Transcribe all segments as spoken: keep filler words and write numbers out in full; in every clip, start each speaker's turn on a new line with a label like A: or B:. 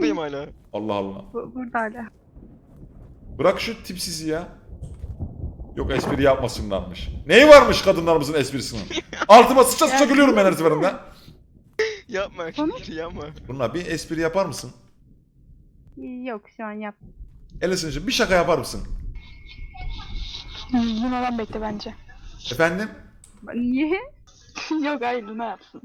A: buradayım hala.
B: Allah Allah.
C: Bu, burada hala.
B: Bırak şu tipsizi ya. Yok espri yapmasınlarmış. Neyi varmış kadınlarımızın esprisinin? Altıma sıçra sıçra gülüyorum ben her seferinde.
A: Yapma
C: Konuş.
A: yapma.
B: Bunlar bir espri yapar mısın?
C: Yok şu an yap.
B: Elisin'cim bir şaka yapar mısın?
D: Luna'dan bekle bence.
B: Efendim?
C: Niye?
D: Yok hayır Luna yapsın.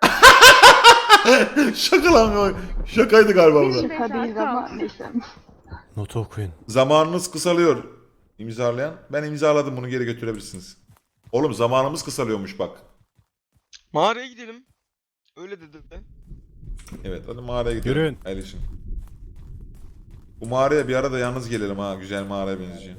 B: Şaka lan o. Şakaydı galiba bu da.
D: Şaka değil ama neyse.
E: Notu okuyun.
B: Zamanınız kısalıyor. İmzalayan. Ben imzaladım, bunu geri götürebilirsiniz. Oğlum zamanımız kısalıyormuş bak.
A: Mağaraya gidelim. Öyle dedi.
B: Evet hadi mağaraya gidelim.
E: Yürüyün.
B: Elişim. Bu mağaraya bir arada yalnız gelelim ha. Güzel mağaraya benziyor.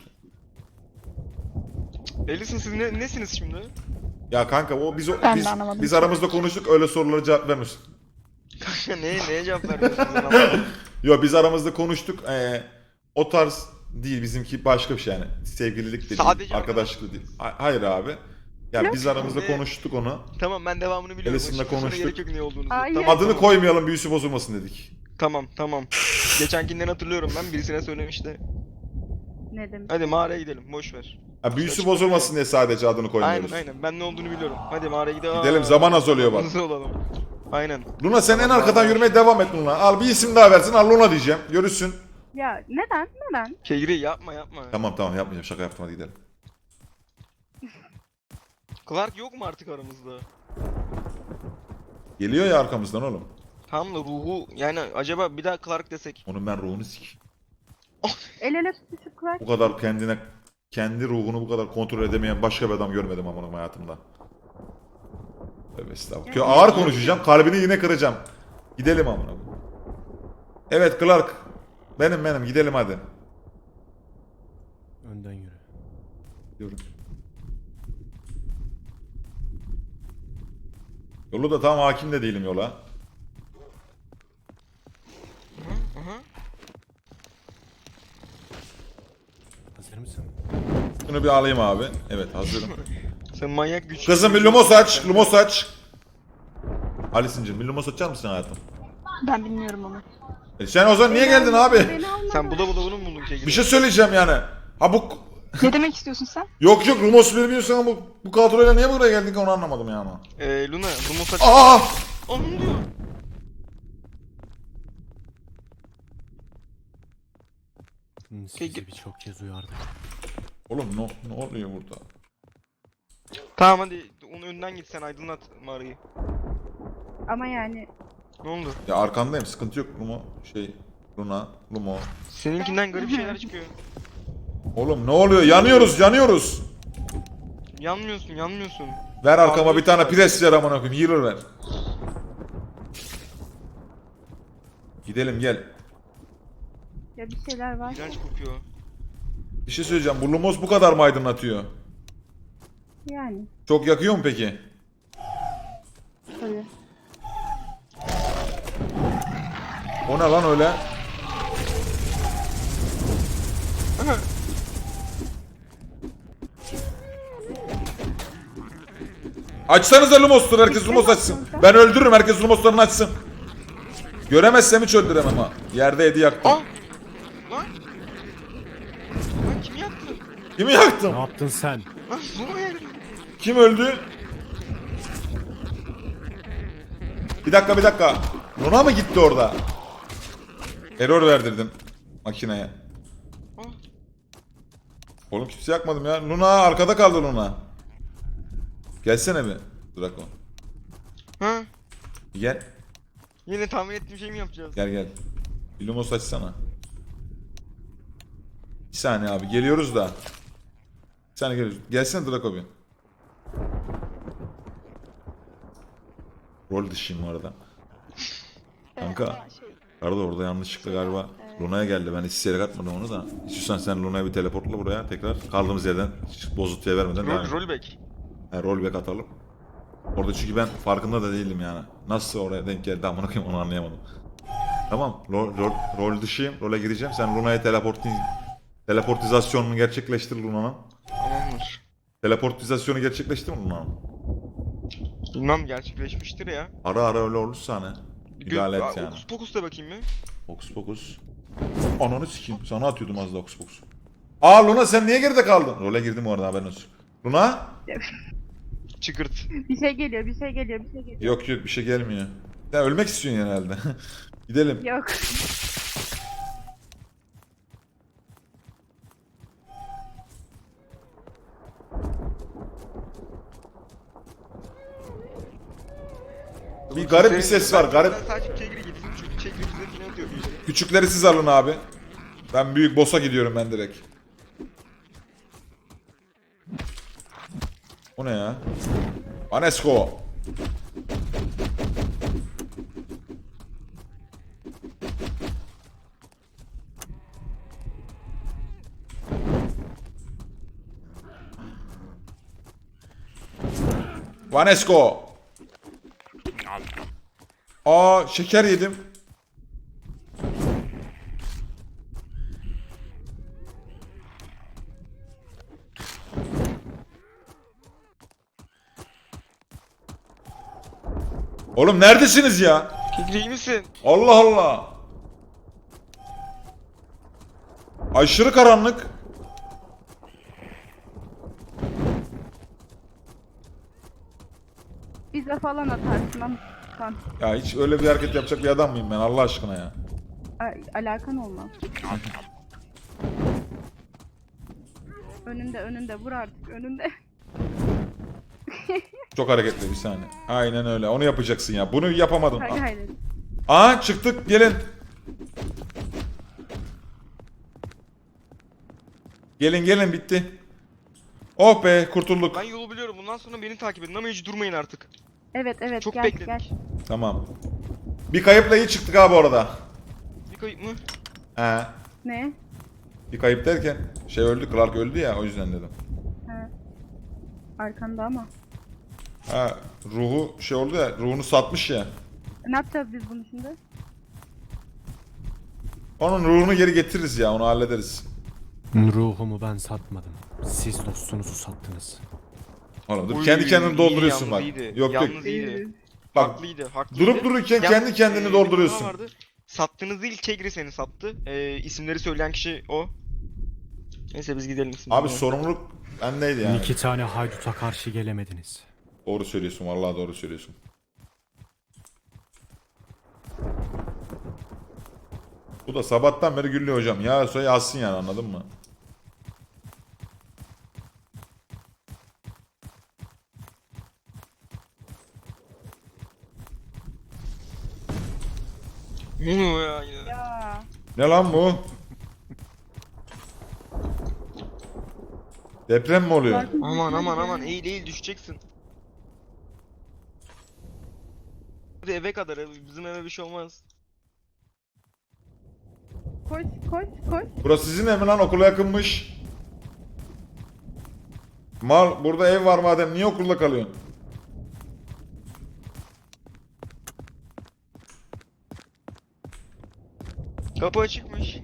A: Elisin siz ne, nesiniz şimdi?
B: Ya kanka o biz o,
D: Ben de
B: biz,
D: anlamadım.
B: biz aramızda konuştuk, öyle sorulara cevap vermiyorsun.
A: Kanka neye, neye cevap vermiyorsunuz ben anlamadım.
B: Yo biz aramızda konuştuk. Ee, o tarz değil, bizimki başka bir şey yani. Sevgililik de değil,
A: Sadece
B: arkadaşlık da değil. Ha- Hayır abi. Ya biz aramızda
A: Ne?
B: konuştuk onu.
A: Tamam ben devamını biliyorum.
B: Elisin'le
A: Açıkçası
B: konuştuk.
A: Gerek yok ne olduğunu.
C: Hayır.
A: Tamam,
B: Adını
A: tamam.
B: koymayalım, büyüsü bozulmasın dedik.
A: Tamam tamam. Geçenkinden hatırlıyorum ben, birisine söylemişti.
C: Ne demek?
A: Hadi mağaraya gidelim, boş ver.
B: Ha, büyüsü bozulmasın diye sadece adını koymuyoruz.
A: Aynen aynen, ben ne olduğunu biliyorum. Hadi mağaraya gidelim.
B: Gidelim,
A: Aa,
B: zaman az oluyor bak.
A: Hızlı olalım. Aynen.
B: Luna sen en
A: Tamam,
B: arkadan
A: tamam.
B: yürümeye devam et Luna. Al bir isim daha versin, al Luna diyeceğim. Görürsün.
C: Ya neden? Neden?
A: Kegri yapma yapma.
B: Tamam tamam yapmayacağım, şaka yaptım, hadi gidelim.
A: Clark yok mu artık aramızda?
B: Geliyor ya arkamızdan oğlum.
A: Tam da ruhu yani, acaba bir daha Clark desek.
B: Onun ben ruhunu sik.
C: El ele tutuşup kulak.
B: Bu kadar kendine, kendi ruhunu bu kadar kontrol edemeyen başka bir adam görmedim amına hayatımda. Tövbe estağfurullah. Kö- Ağır konuşacağım, kalbini yine kıracağım. Gidelim amına. Evet Clark. Benim benim, gidelim hadi.
E: Önden yürü.
B: Yürü. Yolu da tam hakim de değilim yola.
A: Hı hı.
E: Hazır mısın?
B: Şunu bir alayım abi. Evet hazırım.
A: Sen manyak güç.
B: Kızım bir lumos aç, lumos aç. Alisin'cim bir lumos açar mısın hayatım?
D: Ben bilmiyorum onu.
B: E sen o zaman niye geldin abi?
C: Beni alma.
A: Sen bula bula bunu mu buldun Kegri?
B: Bir şey söyleyeceğim yani. Ha bu...
D: Ne demek istiyorsun sen?
B: Yok yok lumos bilmiyorsun ama bu, bu kadroyla niye buraya geldik onu anlamadım yani.
A: Eee Luna, Lumos aç.
B: Aa!
A: Onun diyor.
E: Hmm, Sizi
A: Peki.
E: birçok kez uyardık.
B: Oğlum ne, ne oluyor burada?
A: Tamam hadi onun önden git, sen aydınlat mağarayı.
C: Ama yani
A: Ne oldu?
B: Ya arkandayım, sıkıntı yok Lumo. Şey, Luna, Lumo.
A: Seninkinden garip şeyler çıkıyor.
B: Oğlum ne oluyor? Yanıyoruz, yanıyoruz.
A: Yanmıyorsun, yanmıyorsun.
B: Ver arkama
A: Abi,
B: bir tane
A: var.
B: pres ver amına koyayım. Healer ver. Gidelim gel.
C: ya bir şeyler var.
A: İğrenç kokuyor.
B: Bir şey söyleyeceğim. Bu Lumos bu kadar mı aydınlatıyor?
C: Yani
B: Çok yakıyor mu peki?
C: tabii.
B: O ne lan öyle? Açsanıza Lumos'tur, herkes Lumos açsın. Ben öldürürüm, herkes Lumos'larını açsın. Göremezsem hiç öldüremem ha. Yerde Edi yaktım.
A: Aa! Lan! Lan kim yaktı?
B: Kimi
E: Ne
B: yaktım?
E: yaptın sen?
A: Lan bu yer.
B: Kim öldü? Bir dakika bir dakika. Luna mı gitti orada? Error verdirdim makineye.
A: Ah.
B: Oğlum kimse yakmadım ya. Luna arkada kaldı Luna. Gelsene bir Draco.
A: Ha?
B: Gel.
A: Yine tahmin ettiğim şey mi yapacağız?
B: Gel gel. Bir Lumos açsana. Bir saniye abi geliyoruz da. Bir saniye geliyoruz. Gelsene Draco bir. Rol dışıyım bu arada. Kanka.
D: Şey,
B: Arada orada yanlışlıkla galiba Luna'ya geldi. Ben isteyerek atmadım onu da. İstiyorsan sen Luna'ya bir teleportla buraya tekrar. Kaldığımız yerden hiç bozuntuya vermeden devam
A: Rol,
B: edelim.
A: rollback.
B: Yani rollback atalım. Orada çünkü ben farkında da değildim yani. Nasıl oraya denk geldi amına koyayım onu anlayamadım. Tamam. Rol, rol, rol dışıyım. Role gireceğim. Sen Luna'ya teleporti teleportizasyonunu gerçekleştir Luna'nın.
A: Tamamdır.
B: Teleportizasyonu gerçekleşti mi Luna'nın?
A: Bilmem, gerçekleşmiştir ya.
B: Ara ara öyle olursa hani. İdare et
A: Aa,
B: yani.
A: Okus pokus da bakayım mı?
B: Hokus pokus. Ananı sikeyim. Sana atıyordum az da hokus pokus. Aa Luna sen niye geride kaldın? Role girdim orada haberin olsun. Luna?
A: Çıkırt.
C: Bir şey geliyor, bir şey geliyor, bir şey geliyor.
B: Yok yok bir şey gelmiyor. Sen ölmek istiyorsun herhalde. Gidelim.
C: Yok.
B: Bir garip bir ses var, garip.
A: Ben sadece Kegri gitsin çünkü Kegri bize final atıyor bir
B: Küçükleri siz alın abi. Ben büyük boss'a gidiyorum ben direkt. O ne ya? Anesko. Vanesko. Aa şeker yedim. Oğlum neredesiniz ya?
A: Kegri iyi misin?
B: Allah Allah. Aşırı karanlık.
C: Bize falan atarsın ama kan.
B: Ya hiç öyle bir hareket yapacak bir adam mıyım ben Allah aşkına ya?
C: A- alakan olmaz. Önünde, önünde. Vur artık, önünde.
B: Çok hareketli bir saniye. Aynen öyle. Onu yapacaksın ya. Bunu yapamadın.
C: Hadi haydi.
B: Aa çıktık gelin. Gelin gelin bitti. Oh be kurtulduk.
A: Ben yolu biliyorum. Bundan sonra beni takip edin ama hiç durmayın artık.
C: Evet, evet.
A: Çok
C: gel,
A: bekledik.
C: gel.
B: Tamam. Bir kayıpla iyi çıktık abi orada.
A: Bir kayıp mı?
B: He.
C: Ne?
B: Bir kayıp derken şey öldü, Clark öldü ya o yüzden dedim.
C: Ha. Arkanda ama.
B: Ha ruhu şey oldu ya, ruhunu satmış ya.
C: Ne yapacağız biz bunu şimdi?
B: Onun ruhunu geri getiririz ya, onu hallederiz.
E: Ruhumu ben satmadım. Siz dostunuzu sattınız.
B: Oğlum dur
A: Uy,
B: kendi kendini
A: iyi,
B: dolduruyorsun bak.
A: yalnız iyiydi,
B: Yok yok.
A: yalnız iyiydi.
B: Bak
A: Haklıydı, haklıydı.
B: durup dururken
A: Yalnız,
B: kendi kendini
A: e, bir
B: dolduruyorsun.
A: hata vardı. Sattığınız değil Kegri seni sattı. E, isimleri söyleyen kişi o. Neyse biz gidelim isimleri.
B: Abi sorumluluk bendeydi yani.
E: İki tane hayduta karşı gelemediniz.
B: Doğru söylüyorsun vallahi doğru söylüyorsun. Bu da sabahtan beri gülüyor hocam. Ya sonra yazsın yani anladın mı?
A: Ne oluyor ya yine?
C: Ya.
B: Ne lan bu? Deprem mi oluyor?
A: Aman aman aman eğil eğil düşeceksin. Hadi eve kadar bizim eve bir şey olmaz.
C: Koş, koş, koş.
B: Burası sizin ev mi lan? Okula yakınmış. Mal burada ev var madem niye okulda kalıyorsun?
A: Kapı açıkmış.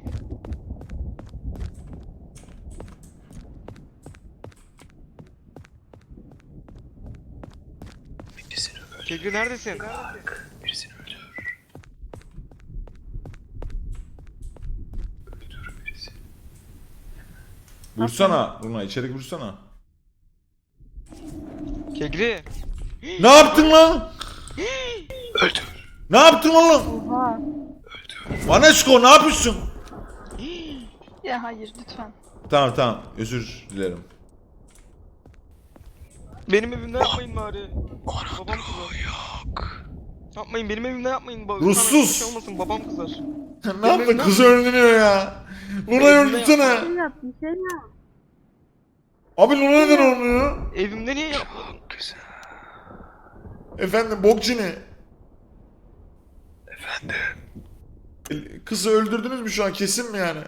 A: Kegri neredesin?
B: Vursana Runa içeri vursana.
A: Kegri.
B: Ne yaptın lan? Ne yaptın oğlum?
C: Oha.
B: Vanesko ne yapıyorsun?
D: Ya hayır lütfen.
B: Tamam tamam özür dilerim.
A: Benim evimde yapmayın bari. Babam kızar. Yok. Yapmayın benim evimde yapmayın. Ba-
B: Ruhsuz.
A: Sana bir şey olmasın babam kızar.
B: ne yaptın kızı öldürüyor ya. Luna'yı öldürsene.
C: Şey yap, bir şey yap.
B: Abi Luna neden olmuyor?
A: Evimde niye yapmadın?
B: Efendim bokçini. Efendim. Kızı öldürdünüz mü şu an kesin mi yani?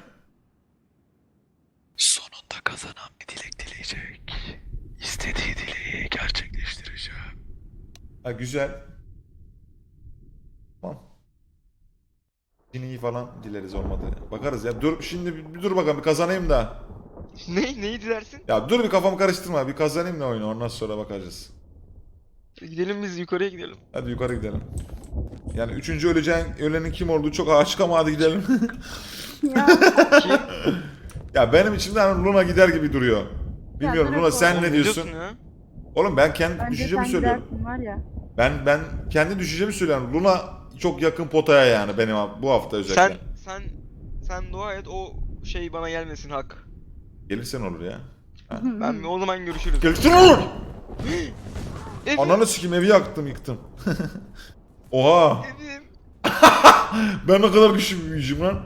F: Sonunda kazanan bir dilek dileyecek. İstediği dileği gerçekleştireceğim.
B: Ha güzel. Tamam. Ciniyi falan dileriz olmadı. Bakarız ya. Dur şimdi bir, bir dur bakalım bir kazanayım da.
A: Ne? Neyi dilersin?
B: Ya dur bir kafamı karıştırma. Bir kazanayım da oyunu ondan sonra bakacağız.
A: Gidelim biz yukarıya gidelim.
B: Hadi yukarı gidelim. Yani üçüncü öleceğin, ölenin kim olduğu çok açık ama hadi gidelim.
C: Ya.
A: Kim?
B: Ya benim içimden Luna gider gibi duruyor. Bilmiyorum
C: Ya,
B: Luna sen
A: Oğlum,
B: ne diyorsun?
A: ya?
B: Oğlum ben kendi
C: Bence
B: düşüncemi
C: sen
B: söylüyorum.
C: gidersin var ya.
B: Ben ben kendi düşüncemi söylüyorum. Luna çok yakın potaya yani benim bu hafta özellikle.
A: Sen sen sen dua et o şey bana gelmesin hak.
B: Gelirsen olur ya.
A: Ben o zaman görüşürüz.
B: Gelirsen olur.
A: Evim,
B: Ananı sikeyim evi yaktım yıktım. Oha.
A: evim.
B: Ben ne kadar güçlü bir büyücüyüm lan.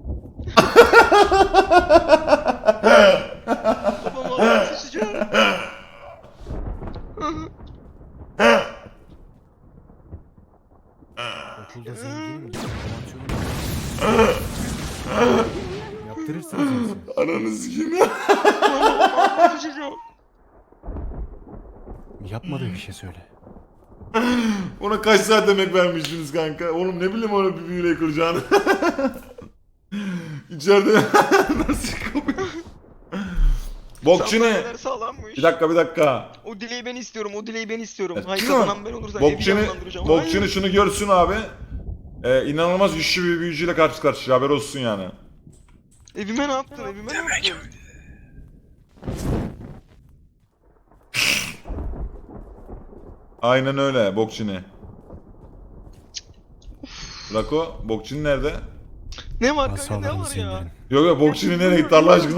A: Babam ağzına sıçacağım.
E: Okulda zenginim. Romansiyonum. Yaptırırsınız hepsini.
B: Ananı sikeyim.
A: Ağzına sıçacağım.
E: Yapmadığı bir şey söyle.
B: Ona kaç saat emek vermiştiniz kanka? Oğlum ne bileyim onu bir büyüyle kıracağını. İçeride nasıl kapıyor? Bokçu ne?
A: Sandalyeler sağlammış.
B: Bir dakika bir dakika.
A: O dileği ben istiyorum. O dileği ben istiyorum.
B: Evet,
A: Hayır
B: değil mi?
A: kazanan ben olursam evi
B: Bokçunu,
A: canlandıracağım.
B: Bokçunu
A: Hayır.
B: şunu görsün abi. Ee, inanılmaz güçlü bir büyücüyle karşı karşıya haber olsun yani.
A: Evime ne yaptın? Evime ne yaptın?
B: Aynen öyle Bokçini. Rako, Bokçini nerede?
A: Ne var kanka ne
E: Asalarınızı
A: var ya?
E: indirin.
B: Yok yok Bokçini nereye gitti Allah aşkına?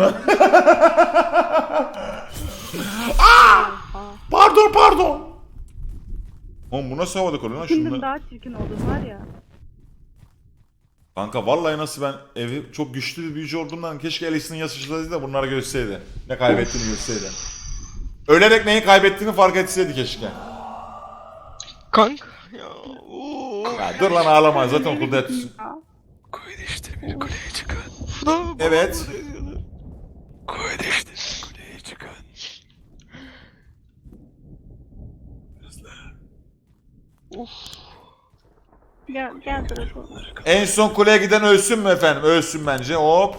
B: Aa! Pardon pardon. Oğlum bu nasıl havada kalıyor lan
C: Şimdi
B: şunlar?
C: daha çirkin oldun var ya.
B: Kanka vallahi nasıl ben evi çok güçlü bir büyücü olduğumdan keşke Alice'nin yaşasaydı da bunlara görseydi. Ne kaybettiğini görseydi. Ölerek neyi kaybettiğini fark etseydi keşke.
A: Kanka ya. Oo.
B: Ya dur lan ağlama zaten okulda yatıyorsun.
C: Ya.
F: Koydeştir bir kuleye çıkın.
A: Bravo,
B: Evet.
A: bravo.
F: Koydeştir bir kuleye çıkın. Hızlı.
C: Gel gel Draco.
B: En son kuleye giden ölsün mü efendim? Ölsün bence. Hop.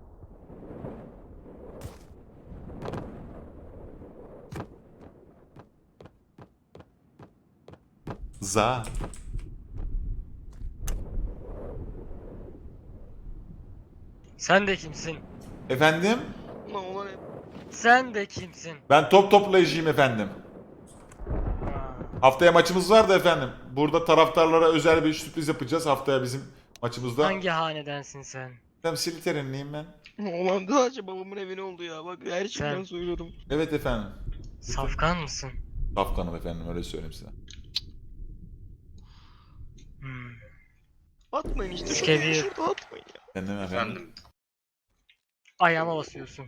B: Za.
G: Sen de kimsin?
B: Efendim?
A: Ulan ulan hep.
G: Sen de kimsin?
B: Ben top toplayıcıyım efendim.
G: Ha.
B: Haftaya maçımız var da efendim. Burada taraftarlara özel bir sürpriz yapacağız haftaya bizim maçımızda.
G: Hangi hanedensin sen?
B: Ben Slytherin'liyim ben.
A: Ulan sadece babamın evine oldu ya. Bak gerçekten
G: Sen-
A: söylüyorum.
B: Evet efendim.
G: Safkan mısın?
B: Safkanım efendim öyle söyleyeyim size.
G: Hmm.
A: Atmayın işte.
G: İskeleyi-
A: Şurada, şurada atmayın ya.
B: Efendim efendim.
G: Ayağıma basıyorsun.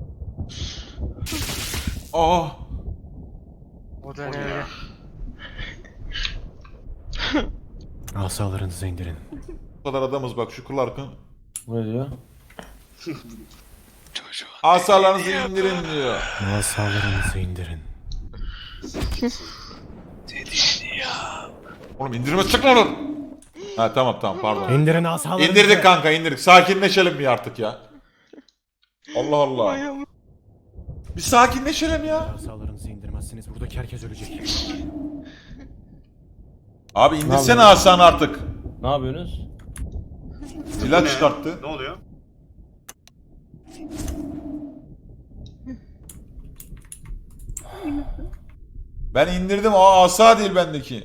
B: Oh!
G: O da ne öyle?
E: Asalarınızı indirin.
B: Bu kadar adamız bak şu Clark'ın.
H: Ne diyor?
F: Çocuğun
B: Asalarınızı indirin diyor.
E: Asalarınızı indirin.
F: dediğini ya.
B: Oğlum indirme çıkma oğlum. Ha tamam tamam pardon.
E: İndirin asalarınızı.
B: İndirdik kanka indirdik. Sakinleşelim bir artık ya. Allah Allah.
A: Ayağım.
B: Bir sakinleşelim ya.
E: Asalarınızı indirmezseniz buradaki herkes ölecek.
B: Abi indirsene
H: yapıyorsun?
B: Hasan artık.
H: Ne yapıyorsunuz?
B: Silah çıkarttı.
I: Ne oluyor?
B: Ben indirdim. Aa asa değil bendeki.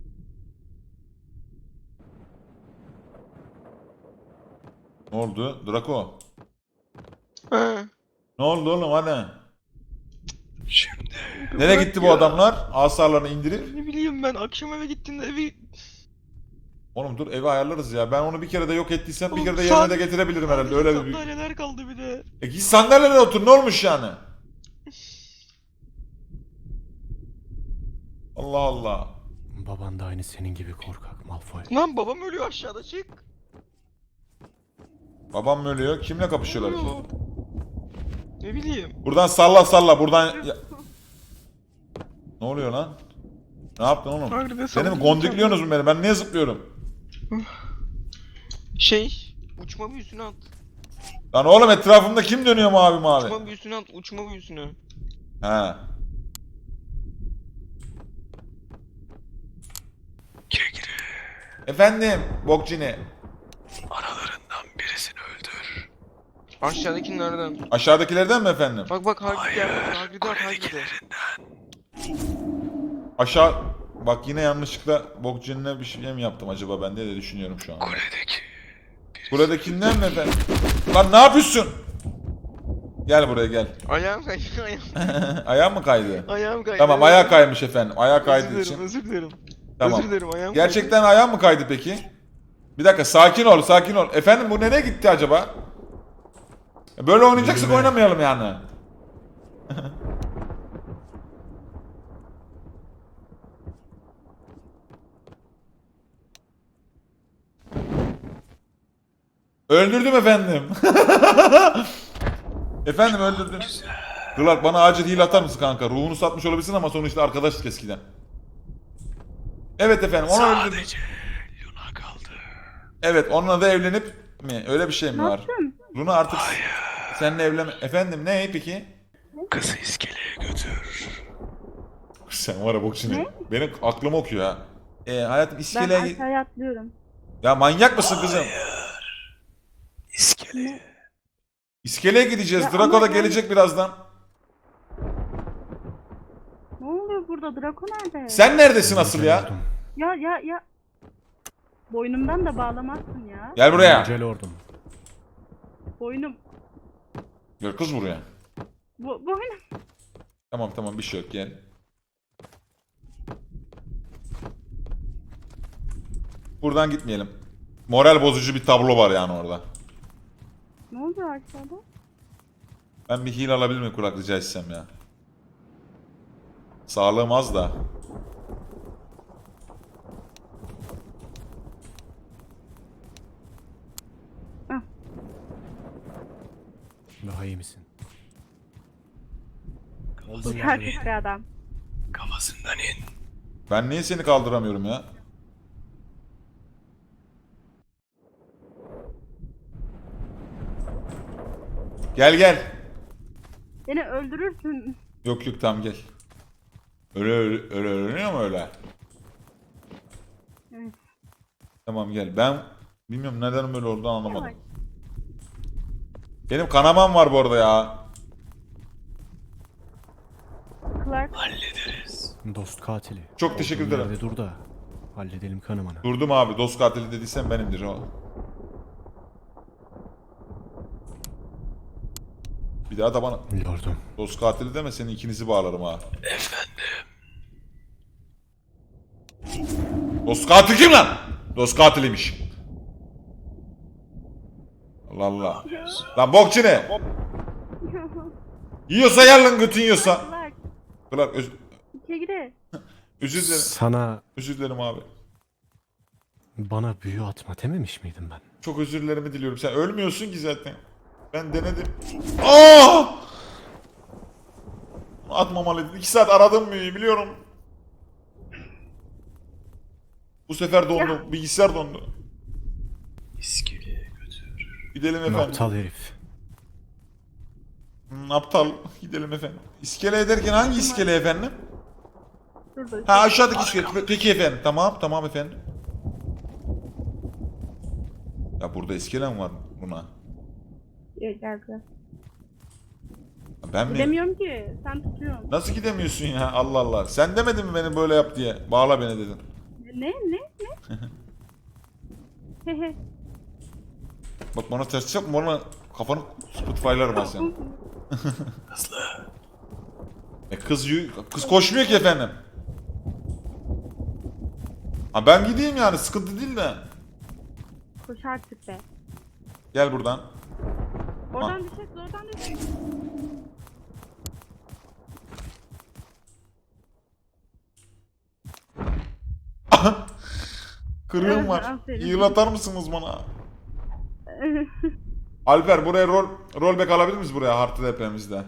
B: Ne oldu? Draco.
A: Ha.
B: Ne oldu oğlum hani?
F: Şimdi
B: Nereye gitti bu
A: ya.
B: adamlar? Asalarını indirip.
A: Ne bileyim ben akşam eve gittiğimde evi...
B: Oğlum dur evi ayarlarız ya. Ben onu bir kere de yok ettiysem bir
A: Oğlum
B: kere de
A: san-
B: yerine de getirebilirim herhalde. Öyle bir...
A: Sandalyeler kaldı bir de.
B: E git sandalyene otur ne olmuş yani? Allah Allah.
E: Baban da aynı senin gibi korkak Malfoy.
A: Lan babam ölüyor aşağıda çık.
B: Babam mı ölüyor? Kimle kapışıyorlar ki?
A: Ölüyor. Ne bileyim.
B: Buradan salla salla buradan... Ya- Ne oluyor lan? Ne yaptın oğlum?
A: Harbi
B: Beni mi
A: sandım.
B: gondikliyorsunuz mu beni? Ben niye zıplıyorum?
A: Şey, uçma büyüsünü at.
B: Lan oğlum etrafımda kim dönüyor mavi mavi?
A: Uçma büyüsünü at, uçma büyüsünü.
B: He.
F: gire gire.
B: Efendim Bokcini.
F: Aralarından birisini öldür.
A: Aşağıdaki nereden?
B: Aşağıdakilerden mi efendim?
A: Bak bak Hagrid gel. Hagrid at Hagrid'e.
F: Kuledekilerinden.
B: Aşağı... Bak yine yanlışlıkla Bokcini'ne bir şey mi yaptım acaba ben diye de düşünüyorum şu an.
F: Kuledeki.
B: Buradakinden mi efendim? Lan ne yapıyorsun? Gel buraya gel.
A: Ayağım kaydı. Ayağım,
B: Ayağın mı kaydı?
A: ayağım kaydı.
B: Tamam ayağı kaymış efendim. Ayağı
A: Özür
B: kaydığı
A: dilerim,
B: için.
A: özür dilerim.
B: Tamam.
A: Özür dilerim ayağım
B: Gerçekten ayağın mı kaydı peki? Bir dakika sakin ol sakin ol. Efendim bu nereye gitti acaba? Böyle oynayacaksak
E: Yürüme.
B: oynamayalım yani. Öldürdüm efendim. Efendim öldürdüm. Clark bana acil heal atar mısın kanka? Ruhunu satmış olabilirsin ama sonuçta arkadaşlık eskiden. Evet efendim onu öldürdüm.
F: Sadece Luna kaldı.
B: Evet onunla da evlenip mi? Öyle bir şey mi
C: Ne
B: var?
C: yaptın?
B: Luna artık seninle evlen... Efendim ne peki?
F: Kızı iskeleye götür.
B: Sen var ya bokçini. Benim aklımı okuyor ha. Ee, hayatım
C: Ben
B: iskeleye...
C: aşağıya atlıyorum.
B: Ya manyak mısın kızım?
F: İskeleye.
B: İskeleye gideceğiz.
C: Ya
B: Draco
C: ama
B: da
C: ben-
B: gelecek birazdan.
C: Ne oluyor burada? Draco nerede?
B: Sen neredesin asıl ya?
E: Lordum.
C: Ya ya ya. Boynumdan da bağlamazsın ya.
B: Gel buraya.
E: Yüce Lordum.
C: Boynum.
B: Gel kız buraya.
C: Bu, boynum.
B: Tamam tamam bir şey yok gel. Buradan gitmeyelim. Moral bozucu bir tablo var yani orada.
C: Ne oluyor aşağıda?
B: Ben bir heal alabilir miyim kulak rica etsem ya? Sağlığım az da.
E: Daha iyi misin?
C: Bu
E: Olduğun yerde
C: tertip bir adam.
F: Kafasından in.
B: Ben niye seni kaldıramıyorum ya? Gel gel.
C: Beni öldürürsün.
B: Yok yok tamam gel. Öyle öyle öyle öğreniyor mu öyle?
C: Evet.
B: Tamam gel. Ben bilmiyorum neden böyle oldu anlamadım.
C: Yavaş.
B: Benim kanamam var bu arada ya.
C: Clark.
F: Hallederiz.
E: dost katili.
B: Çok teşekkür
E: Olduğun
B: ederim.
E: yerde dur da halledelim kanımanı.
B: Durdum abi. Dost katili dediysen benimdir o. Bir daha da bana
E: Lordum.
B: dost katili deme seni ikinizi bağlarım ha.
F: Efendim.
B: Dost katil kim lan? Dost katiliymiş. Allah Allah. Lan bokçu ne? Yiyorsa yer lan götün yiyorsa.
C: Clark.
B: Clark öz
C: İçe gide.
B: özür dilerim.
E: Sana
B: Özür dilerim abi.
E: bana büyü atma dememiş miydim ben?
B: Çok özür dilerimi diliyorum. Sen ölmüyorsun ki zaten. Ben denedim. Aa! Atmamalıydın. İki saat aradım büyüyü biliyorum. Bu sefer dondu. Bilgisayar dondu.
F: İskeleye götür.
B: Gidelim
E: Ne
B: efendim.
E: aptal herif.
B: Hmm, aptal. Gidelim efendim. İskele ederken hangi iskele efendim?
C: Şurada.
B: Ha aşağıdaki iskele. Pe- Peki efendim. Tamam tamam efendim. Ya burada iskele mi var buna?
C: Gel gel gel.
B: Ben mi?
C: Gidemiyorum ki. Sen tutuyorsun.
B: Nasıl gidemiyorsun ya? Allah Allah. Sen demedin mi beni böyle yap diye? Bağla beni dedin.
C: Ne ne ne? Hehe.
B: Bak bana ters yapma bana kafanı Spotify'larım ben senin.
F: Hızlı.
B: E kız yü- kız koşmuyor ki efendim. Ha ben gideyim yani sıkıntı değil de.
C: Koş artık be.
B: Gel buradan.
C: Oradan düşecek, oradan düşecek.
B: Kırığım
C: Evet,
B: var.
C: aferin.
B: Heal atar mısınız bana? Alper buraya rol rollback alabilir miyiz buraya Hartı depremimizde?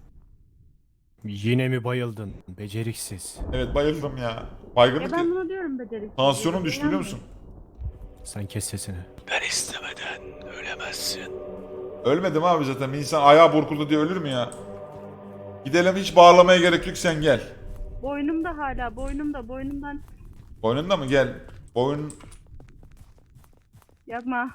E: Yine mi bayıldın? Beceriksiz.
B: Evet bayıldım ya.
C: Ya
B: Baygınlık.
C: ben bunu diyorum beceriksiz.
B: Tansiyonum düştü biliyor musun?
E: Sen kes sesini.
F: Ben istemeden ölemezsin.
B: Ölmedim abi zaten. Bir insan ayağı burkuldu diye ölür mü ya? Gidelim hiç bağlamaya gerek yok sen gel.
C: Boynumda hala, boynumda, boynumdan.
B: Boynunda mı? Gel. Boyun...
C: Yapma.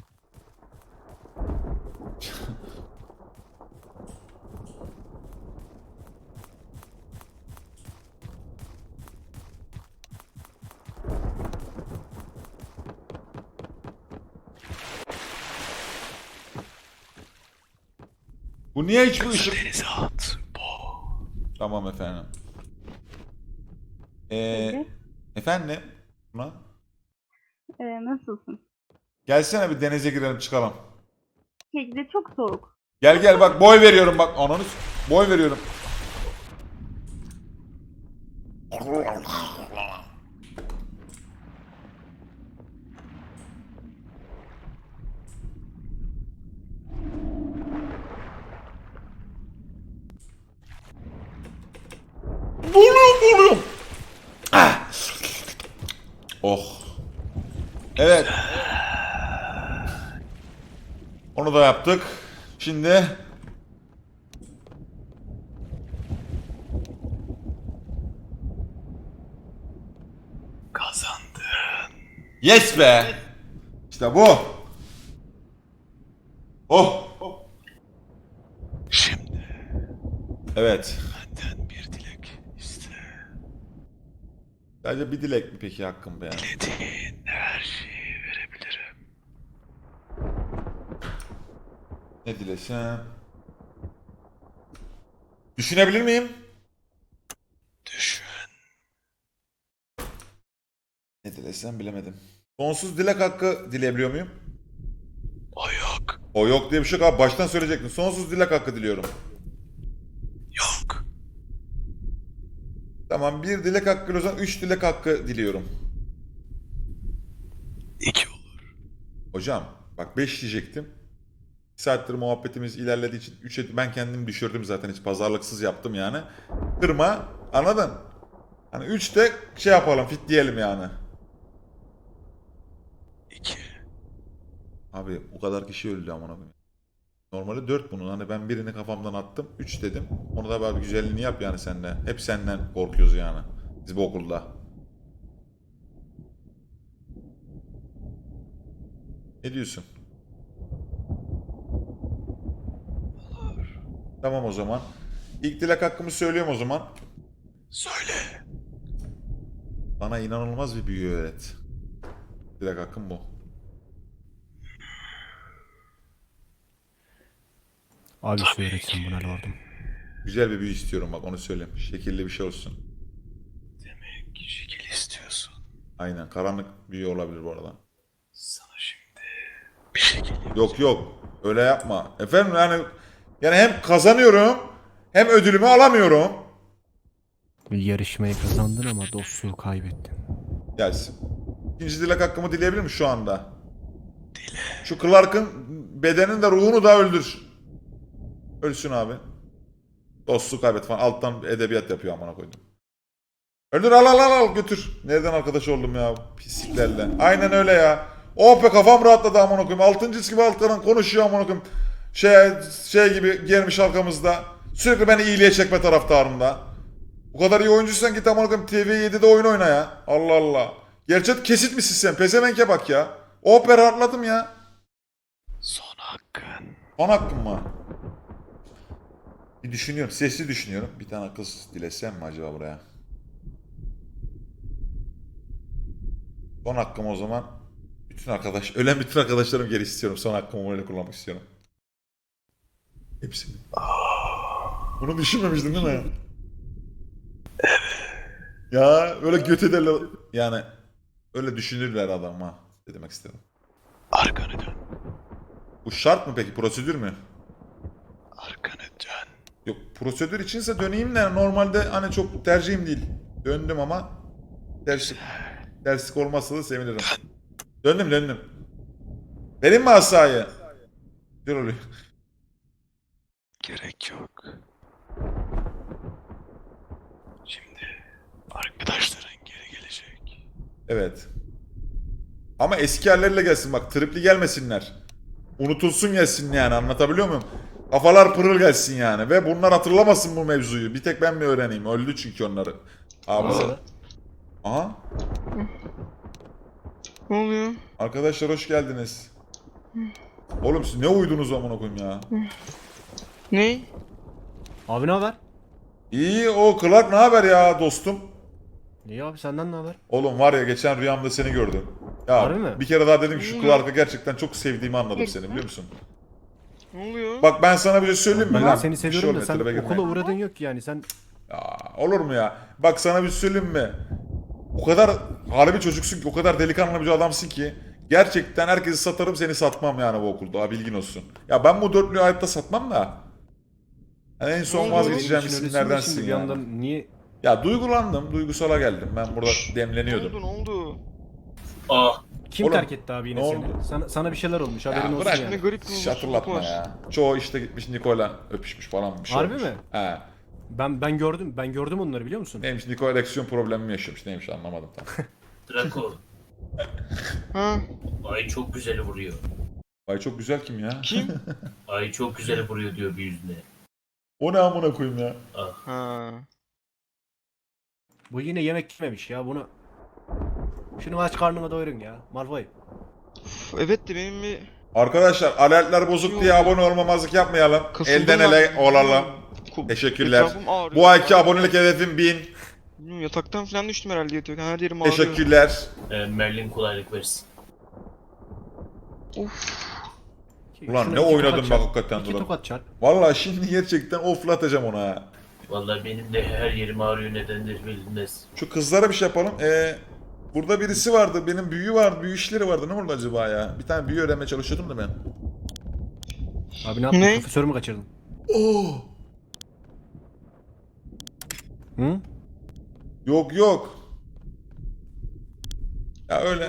B: Bu niye hiç bu ışık...
F: Denize at. Bu.
B: Tamam efendim. Ee,
C: Peki.
B: efendim? Buna?
C: Ee, nasılsın?
B: Gelsene bir denize girelim çıkalım.
C: Kekli çok soğuk.
B: Gel gel bak boy veriyorum bak ananı s- boy veriyorum. Boğuluyorum boğuluyorum. Ah. Oh. Evet. Onu da yaptık. Şimdi
F: Kazandın.
B: yes be. İşte bu. Oh.
F: Şimdi
B: Evet.
F: benden bir dilek iste.
B: Sadece bir dilek mi peki hakkım be ya?
F: Dilediğin her şeyi verebilirim.
B: Ne dilesem? Düşünebilir miyim?
F: Düşün.
B: Ne dilesem bilemedim. Sonsuz dilek hakkı dileyebiliyor muyum?
F: O yok.
B: O yok diye bir şey yok abi. Baştan söyleyecektim. Sonsuz dilek hakkı diliyorum.
F: Yok.
B: Tamam bir dilek hakkı o zaman üç dilek hakkı diliyorum.
F: İki olur.
B: Hocam bak beş diyecektim. Bir saattir muhabbetimiz ilerlediği için üçe ben kendimi düşürdüm zaten hiç pazarlıksız yaptım yani. Kırma anladın? Hani üçte şey yapalım fit diyelim yani.
F: İki.
B: Abi o kadar kişi öldü amına koyayım. Normalde dört bunun hani ben birini kafamdan attım üç dedim. Onu da böyle bir güzelliğini yap yani seninle. Hep senden korkuyoruz yani. Biz bu okulda. Ne diyorsun?
F: Olur.
B: Tamam o zaman. İlk dilek hakkımı söylüyorum o zaman.
F: Söyle.
B: Bana inanılmaz bir büyü öğret. Dilek hakkım bu.
E: Abi öğretsin buna lordum.
B: Güzel bir büyü istiyorum bak onu söyleyeyim. Şekilli bir şey olsun.
F: Demek şekil istiyorsun.
B: Aynen karanlık büyü olabilir bu arada.
F: Sana şimdi bir şekil yapacağım.
B: Yok yok öyle yapma. Efendim yani yani hem kazanıyorum hem ödülümü alamıyorum.
E: Yarışmayı kazandın ama dostluğu kaybettin.
B: Gelsin. İkinci dilek hakkımı dileyebilir miyim şu anda?
F: Dile.
B: Şu Clark'ın bedenini de ruhunu da öldür. Ölsün abi. Dostluğu kaybet falan. Alttan edebiyat yapıyor amına koydum. Öldür al al al al götür. Nereden arkadaş oldum ya pisliklerle. Aynen öyle ya. Oh be kafam rahatladı amına koyayım. Altıncısı gibi alttan konuşuyor amına koyayım. Şey, şey gibi gelmiş arkamızda. Sürekli beni iyiliğe çekme taraftarında. Bu kadar iyi oyuncuysan git amına koyayım T V yedide oyun oyna ya. Allah Allah. Gerçek kesit misin sen? Pezevenke bak ya. Oh be rahatladım ya.
F: Son hakkın.
B: Son hakkım mı? Bir düşünüyorum. Sesli düşünüyorum. Bir tane kız dilesem mi acaba buraya? Son hakkım o zaman. Bütün arkadaş, ölen bütün arkadaşlarım geri istiyorum. Son hakkımı öyle kullanmak istiyorum. Hepsini. Bunu düşünmemiştin değil mi? Ya öyle göt ederler. Yani öyle düşünürler adama. Ne demek istedim.
F: Arkanı dön.
B: Bu şart mı peki? Prosedür mü?
F: Arkanı dön.
B: Yok prosedür içinse döneyim de normalde hani çok tercihim değil. Döndüm ama terslik, terslik olmazsa da sevinirim. Döndüm döndüm. Vereyim mi asayı? Dur oluyor.
F: Gerek yok. Şimdi arkadaşların geri gelecek.
B: Evet. Ama eski yerlerle gelsin bak tripli gelmesinler. Unutulsun gelsin yani anlatabiliyor muyum? Kafalar pırıl gelsin yani ve bunlar hatırlamasın bu mevzuyu. Bir tek ben mi öğreneyim? Öldü çünkü onları. Abi. Aha.
A: Ne oluyor?
B: Arkadaşlar hoş geldiniz. Oğlum siz ne uyudunuz amına koyayım ya?
A: Ne?
E: Abi ne haber?
B: İyi o Clark ne haber ya dostum?
E: İyi abi senden ne haber?
B: Oğlum var ya geçen rüyamda seni gördüm. Ya
E: Harbi mi?
B: bir kere daha dedim ki şu
A: Hmm.
B: Clark'ı gerçekten çok sevdiğimi anladım seni biliyor musun?
A: Ne oluyor?
B: Bak ben sana bir şey söyleyeyim mi
E: Ben
B: lan?
E: de seni
B: Bir şey
E: seviyorum da
B: olmuyor,
E: sen
B: tribe girme.
E: okula uğradın yok ki yani sen
B: Ya, olur mu ya? Bak sana bir şey söyleyeyim mi? O kadar harbi çocuksun ki, o kadar delikanlı bir adamsın ki gerçekten herkesi satarım seni satmam yani bu okulda ha, bilgin olsun. Ya ben bu dörtlüğü hayatta satmam da. Yani en son
A: Oğlum,
B: vazgeçeceğim
E: Benim için öylesin de
B: isimlerdensin
E: şimdi bir
B: yani.
E: yandan niye
B: Ya duygulandım, duygusala geldim. Ben burada
A: Ne
B: demleniyordum.
A: oldu? Ne oldu?
F: Ah
E: kim
B: Oğlum,
E: terk etti abi yine
B: ne
E: seni?
B: oldu?
E: Sana, sana bir şeyler olmuş haberin
B: Ya
E: olsun
B: bırak
A: Ne
E: yani.
A: garip bir
B: hiç
A: umutsuzluk
B: hatırlatma
A: var.
B: ya. Çoğu işte gitmiş Niko'yla öpüşmüş falan bir şey
E: Harbi
B: olmuş.
E: mi?
B: He.
E: Ben ben gördüm ben gördüm onları biliyor musun?
B: Neymiş Niko ereksiyon problemi mi yaşamış neymiş anlamadım tam.
F: Draco.
A: Ha?
F: Ay çok güzel vuruyor.
B: Ay çok güzel kim ya?
A: Kim?
F: Ay çok güzel vuruyor diyor bir yüzüne.
B: O ne amına koyayım ya?
A: Ha.
E: Bu yine yemek yememiş ya bunu. Şunu aç karnına doyurun ya. Malfoy.
A: Uf, evet de benim bir
B: Arkadaşlar alertler bozuk diye abone olmamazlık yapmayalım.
A: kasıldım
B: Elden
A: ben.
B: ele olalım.
A: Ku-
B: Teşekkürler.
A: Etrafım ağrıyor.
B: Bu ayki abonelik hedefim bin.
A: Bilmiyorum, yataktan falan düştüm herhalde yatıyor. Her yerim ağrıyor.
B: Teşekkürler.
F: Ee, Merlin kolaylık versin.
A: Uf.
B: Ulan
E: Şuna
B: ne
E: iki
B: oynadım
E: tokat
B: bak
E: çarp.
B: hakikaten
E: İki
B: Duran.
E: tokat çarp.
B: Vallahi şimdi gerçekten oflatacağım ona ha.
F: Vallahi benim de her yerim ağrıyor nedendir bilinmez.
B: Şu kızlara bir şey yapalım. Ee, burada birisi vardı. Benim büyü vardı. Büyü işleri vardı. Ne oldu acaba ya? Bir tane büyü öğrenmeye çalışıyordum da ben.
E: Abi ne yaptın?
A: Ne?
E: Profesörü mü kaçırdın?
B: Oh!
E: Hı?
B: Yok yok. Ya öyle.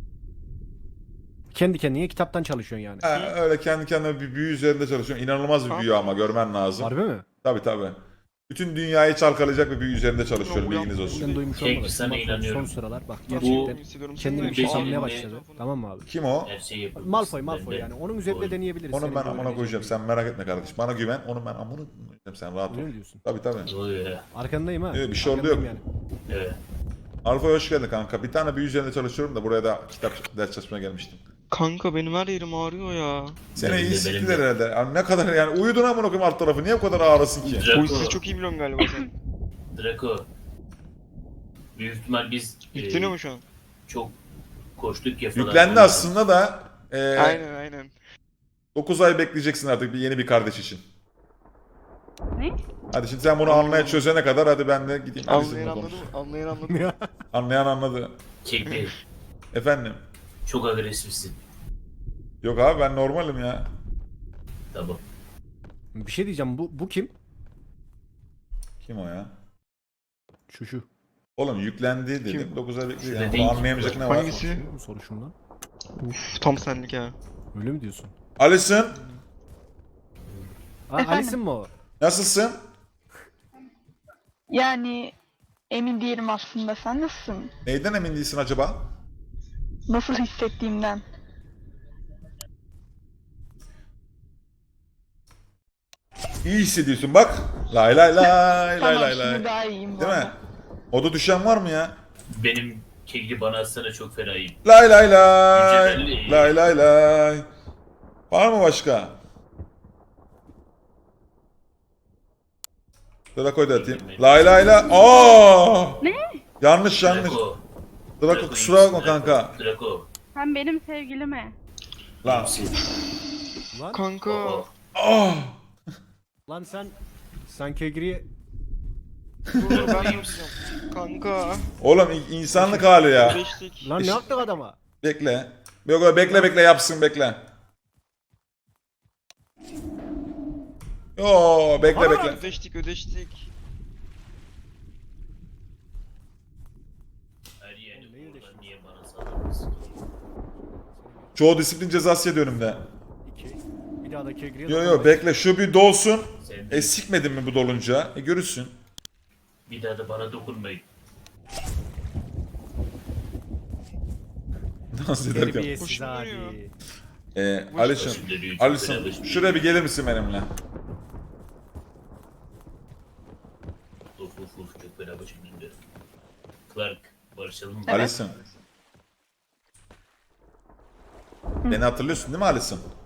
E: Kendi kendine kitaptan çalışıyorsun yani.
B: Ha, öyle kendi kendime bir büyü üzerinde çalışıyorum. İnanılmaz bir büyü ama görmen lazım.
E: Harbi mi?
B: Tabii tabii. Bütün dünyayı çalkalayacak bir büyü üzerinde çalışıyorum
A: Ulan,
B: bilginiz olsun.
E: Ben duymuş
F: Peki,
E: olmadım.
F: sana
E: Malfoy
F: inanıyorum.
E: son sıralar bak
F: Bu-
E: gerçekten
A: Hissediyorum.
E: kendini
A: Senin
E: bir şey
F: beş
E: sanmaya
F: elimde-
E: başladı. Tamam mı abi?
B: Kim o?
F: Her şeyi yapabiliriz.
E: Malfoy Malfoy
F: Ben de-
E: yani. Onun üzerinde
F: Oy.
E: deneyebiliriz.
B: Onu
E: Senin
B: ben
E: gibi
B: amına koyacağım.
E: öğreneceğim.
B: Sen merak etme kardeşim. Bana güven. Onu ben amına koyacağım. Sen rahat ol.
E: Öyle mi diyorsun?
B: Tabii tabii.
F: Ne oluyor ya?
E: Arkandayım ha.
B: Yok, bir şey oldu
E: Arkandayım
B: yok.
E: yani.
F: Evet.
B: Alfa hoş geldin kanka. Bir tane büyü üzerinde çalışıyorum da buraya da kitap ders çalışmaya gelmiştim.
A: Kanka benim her yerim ağrıyor ya.
B: Seni
F: Benim
B: iyi
F: de,
B: siktiler
F: benim de.
B: herhalde. Yani ne kadar yani uyudun amına koyayım alt tarafı. Niye bu kadar ağrısın ki?
A: Bu
F: Draco.
A: hissi çok iyi biliyorsun galiba sen.
F: Draco. Büyük ihtimal biz e,
A: Yükleniyor mu şu an?
F: çok koştuk ya falan.
B: Yüklendi aslında da e,
A: Aynen aynen.
B: dokuz ay bekleyeceksin artık bir yeni bir kardeş için.
C: Ne?
B: Hadi şimdi sen bunu anlaya çözene kadar hadi ben de gideyim.
A: Anlayan
B: Alice'imle
A: anladı
B: konuş.
A: mı? Anlayan anladı mı?
B: Anlayan anladı.
F: Kekli.
B: Efendim.
F: Çok agresifsin.
B: Yok abi ben normalim ya.
F: Tamam.
E: Bir şey diyeceğim. Bu bu kim?
B: Kim o ya?
E: Şu şu.
B: Oğlum yüklendi dedim.
A: Kim?
B: dokuz ay bekliyor.
F: Şurada
B: Yani.
F: değil.
B: Anlayamayacak ne var?
A: Hangisi?
E: Bu soruşum lan.
A: Uf tam senlik ha.
E: Öyle mi diyorsun?
B: Alison
E: Aa,
D: Efendim?
E: Alice'in mi o?
B: nasılsın?
D: Yani emin değilim aslında. Sen nasılsın?
B: Neyden emin değilsin acaba?
D: Nasıl hissettiğimden.
B: İyi hissediyorsun bak. Lay lay lay lay
D: Tamam
B: lay
D: şimdi
B: lay.
D: daha iyiyim bu
B: Değil mi?
D: arada.
B: Oda düşen var mı ya?
F: Benim kekli bana atsana çok fenayım.
B: Lay lay lay.
F: Güzel.
B: Lay lay lay. Var mı başka? Draco'yu da atayım. Lay lay lay. Aa!
C: Ne?
B: Yanlış yanlış.
F: Draco.
B: Draco kusura bakma kanka.
F: Draco.
C: Sen benim sevgilime.
B: Lan.
E: Lan,
A: Kanka.
F: Oho.
B: Ah!
E: lan sen sen Kegri'ye
A: Dur dur ben yapacağım. Kanka.
B: Oğlum in- insanlık hali ya.
A: Beşlik.
E: lan ne yaptık adama?
B: Bekle. Yok yok, bekle bekle yapsın bekle. Yo bekle
E: Aa!
B: bekle.
A: Ödeştik ödeştik.
F: Her yeri oradan niye bana saldırırsın?
B: Çoğu disiplin cezası yedi önümde.
E: İki. Bir daha da Kegri'ye
B: Yo yo
E: dokunmayın.
B: bekle şu bir dolsun.
F: Sen de
B: E sikmedin mi bu dolunca? E görürsün.
F: bir daha da bana dokunmayın.
B: Dans ederken.
E: Terbiyesiz
A: Hoşuma
E: hadi.
A: gidiyor.
B: E, Alison.
F: Şimdi çok
B: Alison
F: fena
B: şuraya bir gelir misin benimle?
F: Uf uf uf çok fena başım döndü. Clark barışalım mı?
D: Evet.
B: Alison. Beni hatırlıyorsun değil mi Alison?